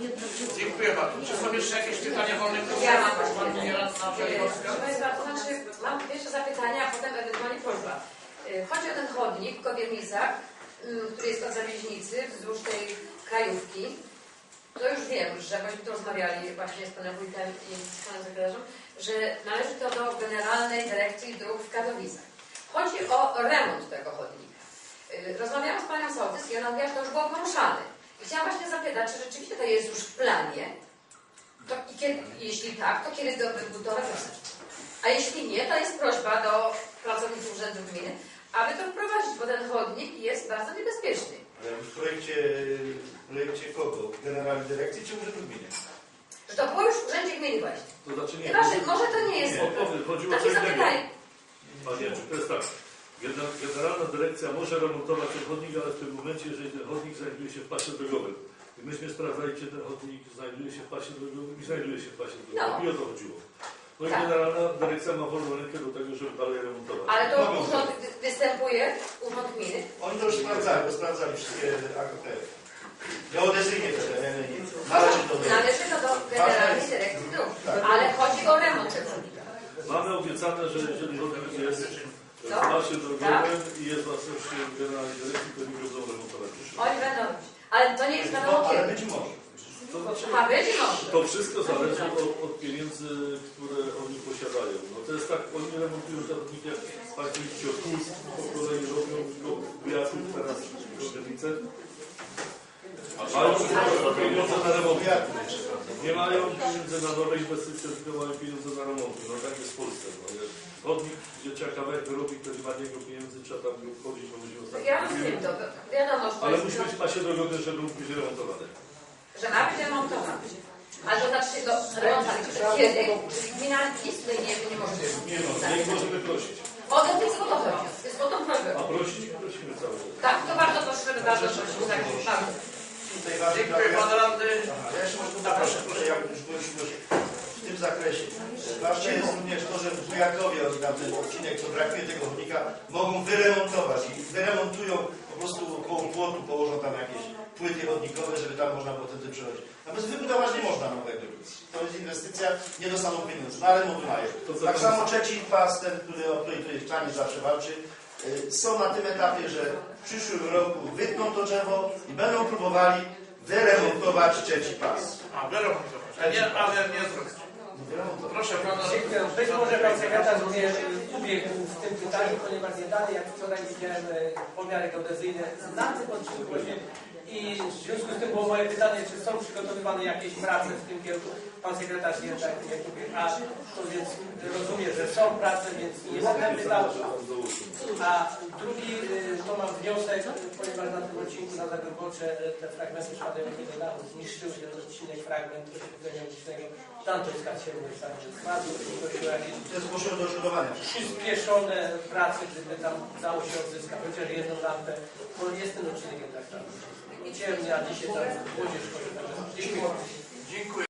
Dziękuję bardzo. Czy są jeszcze jakieś pytania wolnych? Ja mam Pani radna Żelibowska. Proszę Państwa, to znaczy mam pierwsze zapytania, a potem ewentualnie prośba. Chodzi o ten chodnik w Kowiernicach, który jest od Zawieźnicy, wzdłuż tej krajówki. To już wiem, że myśmy tu rozmawiali właśnie z panem wójtem i z panem sekretarzem, że należy to do Generalnej Dyrekcji Dróg w Katowicach. Chodzi o remont tego chodnika. Rozmawiałam z panią Sołtys i ona mówiła, że to już było poruszane. I chciałam właśnie zapytać, czy rzeczywiście to jest już w planie? To, i kiedy, jeśli tak, to kiedy to wybudować? A jeśli nie, to jest prośba do pracowników Urzędu Gminy, aby to wprowadzić, bo ten chodnik jest bardzo niebezpieczny. Ale w projekcie kogo? Generalnej Dyrekcji czy Urzędu Gminy? Że to było już w Urzędzie Gminy właśnie. To znaczy nie. Chyba, że może to nie jest. Chodziło o Takie co innego. zapytanie. Panie, to jest tak. Generalna Dyrekcja może remontować ten chodnik, ale w tym momencie, jeżeli ten chodnik znajduje się w pasie drogowym. I myśmy sprawdzali, czy ten chodnik znajduje się w pasie drogowym i znajduje się w pasie drogowym. I o to chodziło. No i Tak. Generalna Dyrekcja ma wolną rękę do tego, żeby dalej remontować. Ale to urząd występuje, Urząd Gminy. Oni to już sprawdzali wszystkie akty. Geodezyjnie te tereny należy do Należy to do Generalnej Dyrekcji Dróg. Ale chodzi o remont tego chodnika. Mamy obiecane, że jeżeli chodnik jest w Co? pasie Tak? drogowym i jest własnością Generalnej Dyrekcji, to nie będą remontować. Oni będą robić. Ale to nie jest wiadomo ale kiedy. być może. To znaczy, A będzie może. to wszystko zależy od pieniędzy, które oni posiadają. No to jest tak, oni remontują te chodniki, jak Państwo widzicie, od kół po kolei robią do Bujaków, teraz Kowiernice. Mają pieniądze na remont. Nie mają pieniędzy na nowe inwestycje, tylko mają pieniądze na remonty. No tak jest w Polsce. No. Chodnik, gdzie trzeba kawałek wyrobić, to nie ma niego pieniędzy, trzeba tam wchodzić, bo będziemy ostatnio. Ja rozumiem to. Wiadomo, że to Ale jest, musi być w pasie drogowym, żeby mógł być remontowany. że ma być remontowany. Ale to znaczy do remontować. Kiedy? Gmina nic tutaj nie może być. Nie no, nie możemy prosić. O to jest o to chodzi. Jest o tą prośbę. A prosić prosimy cały czas. Tak, to bardzo prosimy, bardzo prosimy. Tak, bardzo. Tutaj ważny Dziękuję pan radny. Ja jeszcze może proszę, ja już w tym zakresie. Ważne jest również to, że w Bujakowie, oni tam ten odcinek, co brakuje tego chodnika, mogą wyremontować i wyremontują po prostu koło płotu, położą tam jakieś płyty chodnikowe, żeby tam można było wtedy przechodzić. Natomiast wybudować nie można nowego nic. To jest inwestycja, nie dostaną pieniędzy, no ale remont mają. Tak samo trzeci pas, ten, o który tutaj Czanie zawsze walczy, są na tym etapie, że w przyszłym roku wytną to drzewo i będą próbowali wyremontować trzeci pas. A, wyremontować. Ale nie zrobić. Proszę pana. Być może pan sekretarz mnie ubiegł w tym pytaniu, ponieważ nie dalej, jak wczoraj widziałem pomiary geodezyjne na tym odcinku właśnie i w związku z tym było moje pytanie, czy są przygotowywane jakieś prace w tym kierunku. Pan sekretarz nie tak jak mówię, a to więc rozumie, że są prace, więc nie będę pytał. A drugi to mam wniosek, ponieważ na tym odcinku na Zagorbocze te fragmenty spadają do dachu, zniszczył ten odcinek, fragment oświetlenia ulicznego. Tam to jest kacierność, tam jest bardzo prosiło jakieś To jest zgłoszone do odszkodowania. przyspieszone prace, gdyby tam dało się odzyskać chociaż jedną lampę, bo jest ten odcinek jednak tam ciemny, a dzisiaj tam młodzież chodzi. Dziękuję. Dziękuję.